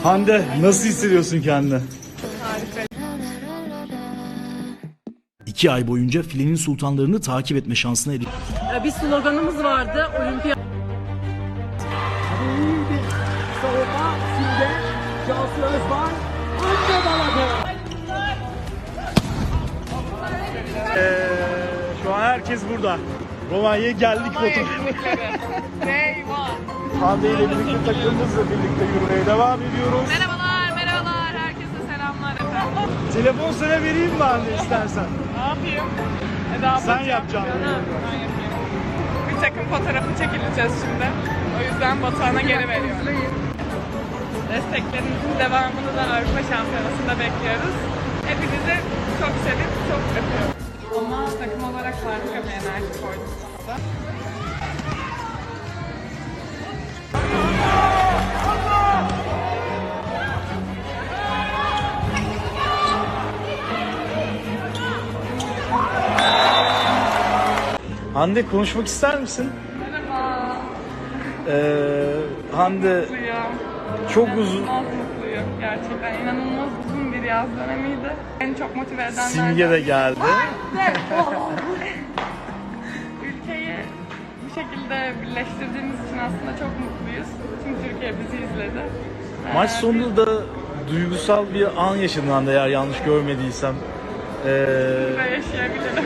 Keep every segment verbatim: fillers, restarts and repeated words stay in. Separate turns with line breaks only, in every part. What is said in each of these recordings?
Hande, nasıl hissediyorsun kendini?
Harika.
İki ay boyunca filenin sultanlarını takip etme şansına erişti.
Bir sloganımız vardı. Olimpiyat.
Savunma şimdi Cansu Özbay önce daladı.
Ee, şu an herkes burada. Romanya'ya geldik fotoğrafı. Hande ile birlikte takımımızla birlikte yürümeye devam ediyoruz.
Merhabalar, merhabalar. Herkese selamlar efendim.
Telefon sana vereyim mi Hande istersen?
Ne yapayım? Eda
Sen yapacaksın.
Ben yapayım. Bir takım fotoğrafı çekileceğiz şimdi. O yüzden Batuhan'a geri veriyorum. Desteklerimizin devamını da Avrupa Şampiyonası'nda bekliyoruz. Hepinizi çok sevip çok öpüyorum. Ama takım olarak harika bir enerji koyduk.
Hande, konuşmak ister misin?
Merhaba.
Ee, Hande
Mutluyum.
çok uzun.
İnanılmaz mutluyum. Gerçekten inanılmaz uzun bir yaz dönemiydi. Beni çok motive edenlerden.
Simge de geldi.
Ülkeyi bu şekilde birleştirdiğimiz için aslında çok mutluyuz. Tüm Türkiye bizi izledi.
Maç
Ee,
sonunda da duygusal bir an yaşadın Hande, eğer yanlış görmediysem. Ee,
Ve yaşayabilirim.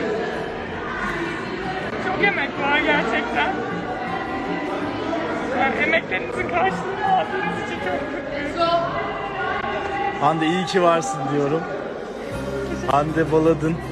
Çok emek var gerçekten. Yani emeklerinizin karşılığını aldığınız için çok mutluyum.
Hande, iyi ki varsın diyorum. Hande Baladın